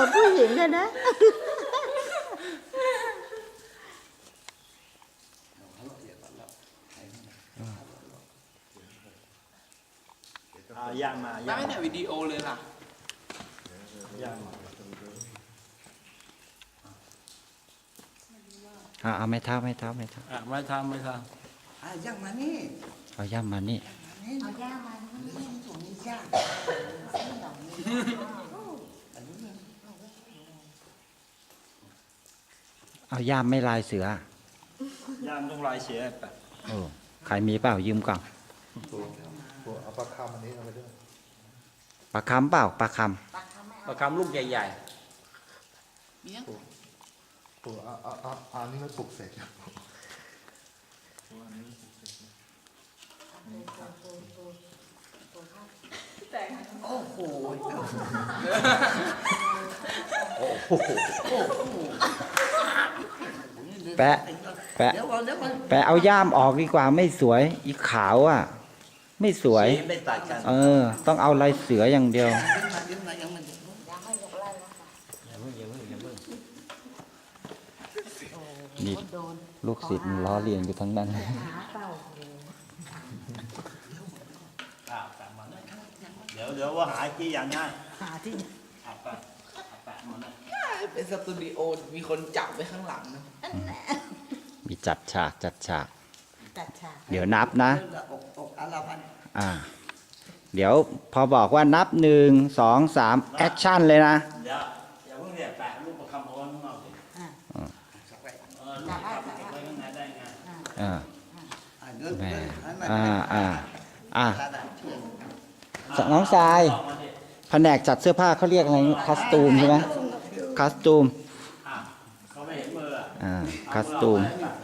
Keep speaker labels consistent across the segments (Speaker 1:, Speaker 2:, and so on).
Speaker 1: มือนผู้หญิงเลยนะ
Speaker 2: ย่างมา
Speaker 3: ได้แต่วิดีโอเลยล่ะ
Speaker 2: ย่างมา
Speaker 4: เอาไม่เท้าไม่ทำ
Speaker 2: ไม่ทำ
Speaker 5: ย่างมานี่
Speaker 4: เอาย่ำมานี่
Speaker 1: เอาย่ามานี่
Speaker 5: ตรงนี้ย่าง
Speaker 4: เอาย่ำไม่ลายเสื
Speaker 2: ย่างต้องลายเสียไป
Speaker 4: ใครมีเปล่ายืมก่อน
Speaker 6: เอาปลาคำอันนี้เอาไปด้วย
Speaker 4: ปลาคำเปล่าปลาค
Speaker 2: ประคำลูกใหญ่
Speaker 3: มียัง
Speaker 6: ตัวอันนี้มันปลุกเสก
Speaker 5: โอ้โห
Speaker 4: ำแปะ
Speaker 5: เดี๋ยวก่อนเดี๋ยวก่อน
Speaker 4: แปะเอาย่ามออกดีกว่าไม่สวย อีขาวอ่ะ ไม่สวย
Speaker 2: ๆไม่ตัดกัน
Speaker 4: ต้องเอาลายเสืออย่างเดียว
Speaker 5: ยิ้มมายังมัน
Speaker 1: อย่าให้ยกไล่นะคะ
Speaker 2: อย่าเพิ่งอย่าเพิ่งอย่าเพิ่ง
Speaker 4: นี่
Speaker 1: โดน
Speaker 4: ลูกศิษย์มันล้อเลียนอยู่ทั้งนั้น
Speaker 1: หาเต่า
Speaker 2: เดี๋ยวว่าหาที่อย่างง่าย
Speaker 1: หาที่
Speaker 2: แปะมัน
Speaker 3: เป็นสตูดิโอมีคนจับไว้ข้างหลังนะ
Speaker 4: มีจัดฉาก
Speaker 1: จัดฉาก
Speaker 4: เดี๋ยวนับนะ
Speaker 5: อกอาราพัน
Speaker 4: เดี๋ยวพอบอกว่านับ1 2 3แอคชั่นเลยนะ
Speaker 2: เดี๋ยวอย่าเพิ่งเนี่ยแปะลูกประคำเอาไว้ข้างนอกสิ
Speaker 5: สักไว้
Speaker 2: ลูกประคำติดไว้ข้างในได้ไง
Speaker 5: เดิน
Speaker 4: แหม่
Speaker 5: ให้มัน
Speaker 4: อ่า น้องทราย แผนกจัดเสื้อผ้าเขาเรียกอะไรคอสตูมใช่ไหมคอสตูม
Speaker 2: เขาไม่เห็นมือ
Speaker 4: คอสตูม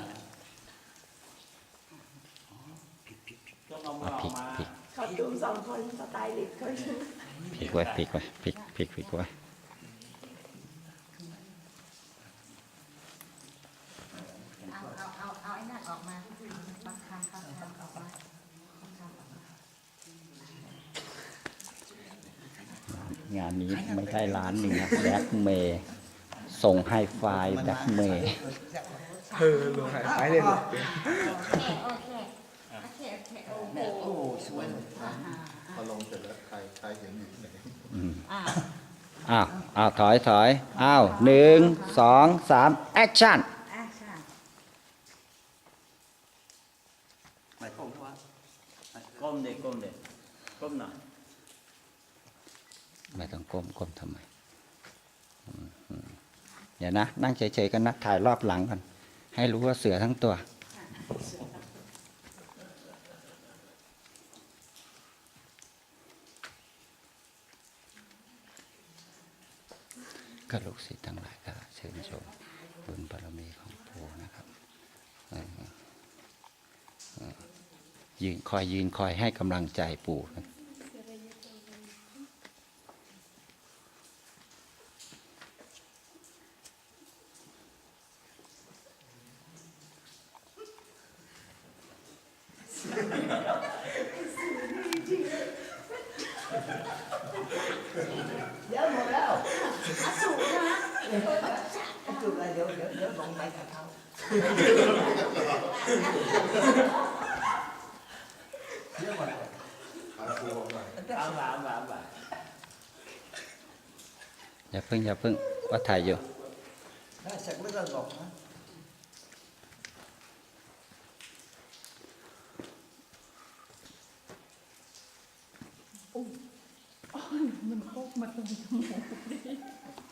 Speaker 2: ต้องเอามือออกมา
Speaker 1: เขาดู2 คนสไตลิสต์เขา
Speaker 4: พลิกไว้พลิกไว้พลิกไว้
Speaker 1: เอาไอ้นั่นออกมาบังคับออกมาง
Speaker 4: านนี้ไม่ใช่ร้านนี้นะแบล็กเมย์ส่งไฮไฟแบล็กเมย์
Speaker 3: ลงหายไปเลย
Speaker 1: โอเคโอ้โห
Speaker 5: โอ้สวย
Speaker 6: พอลงเสร็จแล้วใครเห็นอยู่ที่ไหน
Speaker 4: ถอย1 2 3แอคชั่น
Speaker 5: ไม่คงว่า
Speaker 2: ก้มเด็กก้มหน่อย
Speaker 4: ไม่ต้องก้มทำไมเดี๋ยวนะ นั่งเฉยๆกันนะ ถ่ายรอบหลังก่อนให้รู้ว่าเสือทั้งตัว ก็ลูกศิษย์ทั้งหลายก็เชิญชมบุญบารมีของปู่นะครับยืนคอยให้กำลังใจปู่กัน
Speaker 5: เดี๋ยวหมดแล้วสูบนะสูบอะไรเดี๋ยวลงไปกับเขา
Speaker 2: เอาหลาน
Speaker 4: อย่าเพิ่งว่าถ่ายอยู่
Speaker 5: ได้สักไม่ต้องบอกนะ
Speaker 1: มันโคกมาตรงจมูกดิ